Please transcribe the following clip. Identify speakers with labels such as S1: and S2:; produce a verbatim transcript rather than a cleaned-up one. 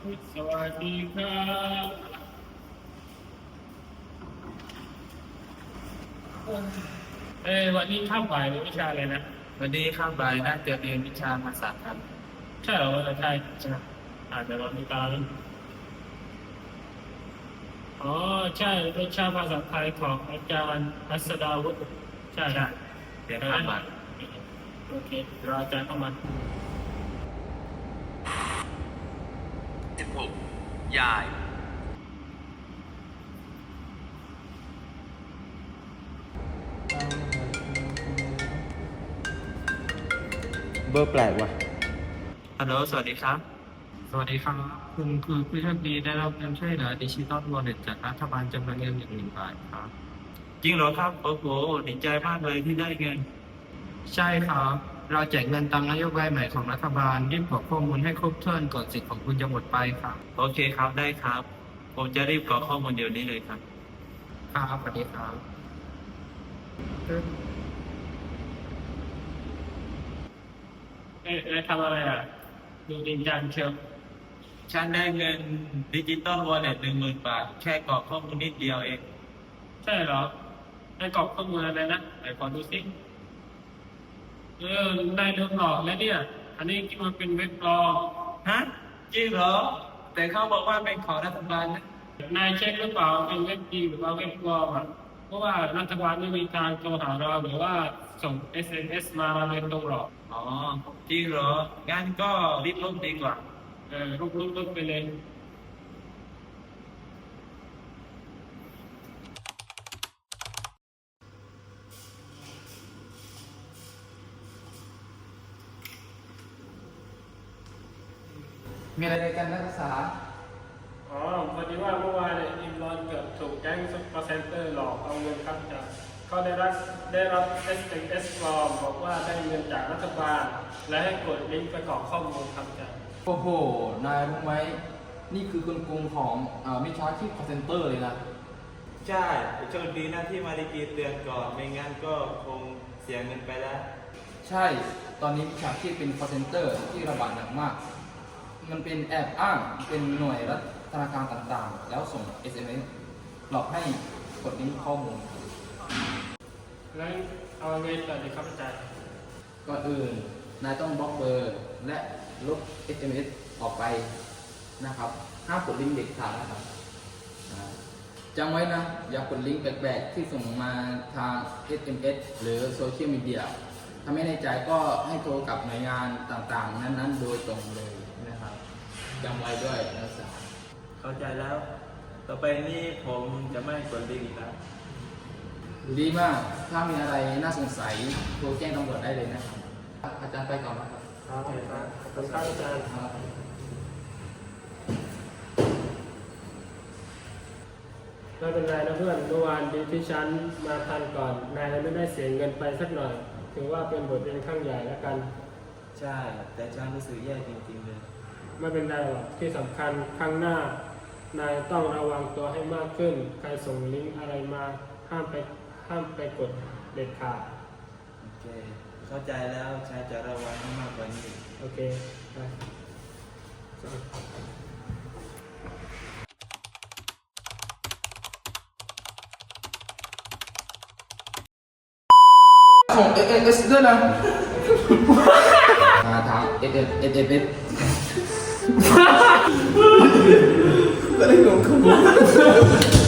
S1: สวัสดีครับเอ้ยวันนี้ข้ามบ่ายหรือวิชาอะไรนะ
S2: วันนี้ข้ามบ่ายน่าจะเรียนวิชาภาษาครับ
S1: ใช่เหรอวันใช่ใช่อาจจะรอติดตามอ๋อใช่วิชาภาษาไทยของอาจารย์อัสดาวุฒิใช่ใช่
S2: เรียนข้ามบ่าย
S1: โอเครออาจารย์เข้ามา
S2: สิบหกยาย
S3: เบอร์แปลกว่ะ
S2: ฮัลโหลสวัสดีครับ
S1: สวัสดีครับคุณคือผู้โชคดีได้รับเงินช่วยเหลือดิจิตอลวอลเล็ตจากรัฐบาลจำนวนเงินหนึ่งหมื่นบาทครับ
S2: จริงเหรอครับโอ้โหดีใจมากเลยที่ได้เงิน
S1: ใช่ครับเราแจกเงินตามนโยบายใหม่ของรัฐบาลรีบกรอกข้อมูลให้ครบถ้วนก่อนสิทธิ์ของคุณจะหมดไปครับ
S2: โอเคครับได้ครับผมจะรีบกรอกข้อมูลเดี๋ยวนี้เลยครับ
S1: ครับสวัสดีครับเอ๊ะทำอะไรอ่ะดูจริงจังเชียว
S2: ฉันได้เงินดิจิตอลวอลเล็ตหนึ่งหมื่นบาทแค่กรอกข้อมูลนิดเดียวเอง
S1: ใช่เหรอให้กรอกข้อมูลอะไรนะไหนขอดูสิเออได้โดนหลอกแล้วเนี่ยอันนี้คิดว่าเป็นเว็บปลอม
S2: ฮะจริงเหรอแต่เขาบอกว่าเป็นของรัฐบาลนะ
S1: นายเช็คหรือเปล่าเป็นเว็บจริงหรือว่าเว็บปลอมอ่ะเพราะว่ารัฐบาลไม่มีการโทรหาเราหรือว่าส่ง เอส เอ็ม เอส มาเราเลยตรงหรอก
S2: อ๋อจริงเหรองั้นก็รีบลบดีกว่า
S1: เออลุกลุกลุกไปเลย
S3: มีอะไรกันนักศึกษา
S1: อ๋อพอดีว่าเมื่อวานเนี่ยอิมรอนเกือบถูกแก๊งซุปเปอร์เซ็นเตอร์หลอกเอาเงินครับจากเขาได้รับได้รับ เอส เอ็ม เอส ปลอมบอกว่าได้เงินจากรัฐบาลและให้กดลิงก์ไปกรอกข้อมูลครับจาก
S3: โอ้โห นายรู้ไหม นี่คือคนกลุ่มของอ่ามิจฉาชีพ call center เลยนะ
S4: ใช่โชคดีนะที่มาดีกีเตือนก่อน ไม่งั้นก็คงเสียเงินไปแล้ว
S3: ใช่ ตอนนี้มิจฉาชีพเป็น call center ที่ระบาดหนักมาก มันเป็นแอบอ้าง เป็นหน่วยรัฐธนาคารต่างๆ แล้วส่ง เอส เอ็ม เอส หลอกให้กดลิงก์ข้อมูล
S1: แล้วเอาเงินต่อดีครับอาจารย์
S3: ก่อนอื่น นายต้องบล็อกเบอร์ และลบ เอส เอ็ม เอส ออกไปนะครับ ห้ามกดลิงก์เด็ดขาดนะครับจำไว้นะ อย่ากดลิงก์แปลกๆที่ส่งมาทาง เอส เอ็ม เอส หรือโซเชียลมีเดียถ้าไม่แน่ใจก็ให้โทรกับหน่วยงานต่างๆ นั้นๆ โดยตรงเลยนะครับจำไว้ด้วยนักศึกษา
S4: เข้าใจแล้ว ต่อไปนี้ผมจะไม่กดลิงก์อีกแล้ว
S3: ดีมาก ถ้ามีอะไรน่าสงสัยโทรแจ้งตำรวจได้เลยนะครับอาจารย์ไปก่อนนะครับ
S1: ครับครับขอบคุณครับอาจารย์ไม่เป็นไรนะเพื่อนเมื่อวานดีที่ฉันมาทันก่อนนายไม่ได้เสียเงินไปสักหน่อยถือว่าเป็นบทเรียนข้างใหญ่แล้วกัน
S4: ใช่ แต่ฉันรู้สึกแย่จริงๆเลย
S1: ไม่เป็นไรหรอกที่สำคัญครั้งหน้านายต้องระวังตัวให้มากขึ้นใครส่งลิงก์อะไรมาห้ามไปห้ามไปกดเด็ดขาด
S4: โอเคเข้าใจแล้วฉันจะระวังให้มากกว่านี้
S1: โอเคไป
S3: ของ เอ เอ เอส ด้วยนะมาทาง เอ เอ เอ เอ เอส ก็ได้หลงขโมย